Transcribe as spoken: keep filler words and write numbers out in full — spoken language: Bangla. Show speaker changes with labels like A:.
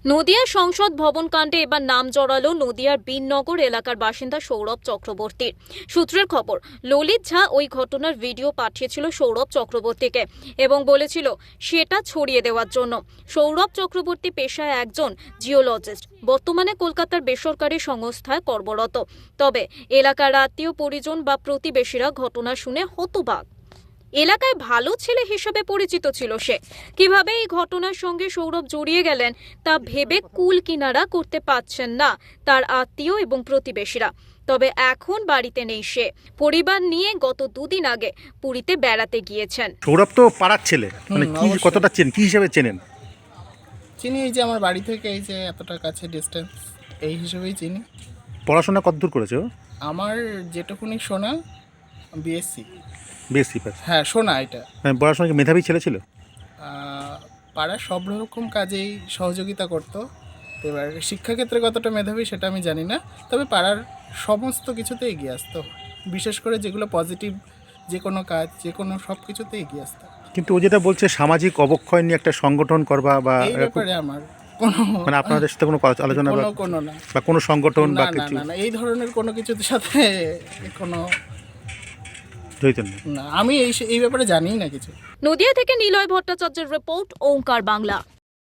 A: নদিয়ার সংসদ ভবন কাণ্ডে এবার নাম জড়ালো নদিয়ার বিননগর এলাকার বাসিন্দা সৌরভ চক্রবর্তীর। সূত্রের খবর, ললিত ঝা ওই ঘটনার ভিডিও পাঠিয়েছিল সৌরভ চক্রবর্তীকে এবং বলেছিল সেটা ছড়িয়ে দেওয়ার জন্য। সৌরভ চক্রবর্তী পেশায় একজন জিওলজিস্ট, বর্তমানে কলকাতার বেসরকারি সংস্থায় কর্মরত। তবে এলাকার আত্মীয় পরিজন বা প্রতিবেশীরা ঘটনা শুনে হতবাক। এলাকায় ভালো ছেলে হিসেবে পরিচিত ছিল সে। কিভাবে এই ঘটনার সঙ্গে সৌরভ জড়িয়ে গেলেন তা ভেবে কুল কিনারা করতে পারছেন না তার আত্মীয় এবং প্রতিবেশীরা। তবে এখন বাড়িতে নেই সে। পরিবার নিয়ে গত দুদিন আগে পুরীতে বেড়াতে গিয়েছেন।
B: সৌরভ তো পাড়ার ছেলে, মানে কি কতটা চেন, কি হিসেবে চেনেন?
C: চিনি এই যে আমার বাড়ি থেকে এই যে এতটা কাছে ডিস্টেন্স, এই হিসেবেই চিনি।
B: পড়াশোনা কতদূর করেছো?
C: আমার যেটুকুনি শোনা বিএসসি।
B: BSc pass?
C: হ্যাঁ, শোনা এটা।
B: পড়াশোনা কি মেধাবী ছেলে ছিল?
C: আহ, পাড়ার সব রকম কাজেই সহযোগিতা করতো। এবার শিক্ষাক্ষেত্রে কতটা মেধাবী সেটা আমি জানি না, তবে পাড়ার সমস্ত কিছুতে এগিয়ে আসতো, বিশেষ করে যেগুলো পজিটিভ, যে কোনো কাজ, যে কোনো সব কিছুতে এগিয়ে আসতো।
B: কিন্তু ও যেটা বলছে সামাজিক অবক্ষয় নিয়ে একটা সংগঠন করবা বা
C: এই ব্যাপারে আমার কোনো
B: মানে আপনাদের সাথে কোনো আলোচনা বা
C: কোনো কোনো না
B: বা কোনো সংগঠন বা
C: না, না,
B: কিছু
C: না, না, এই ধরনের কোনো কিছুর সাথে কোনো
B: জড়িত নেই?
C: না, আমি এই এই ব্যাপারে জানিই না কিছু।
A: নদিয়া থেকে নিলয় ভট্টাচার্যের রিপোর্ট, ওঙ্কার বাংলা।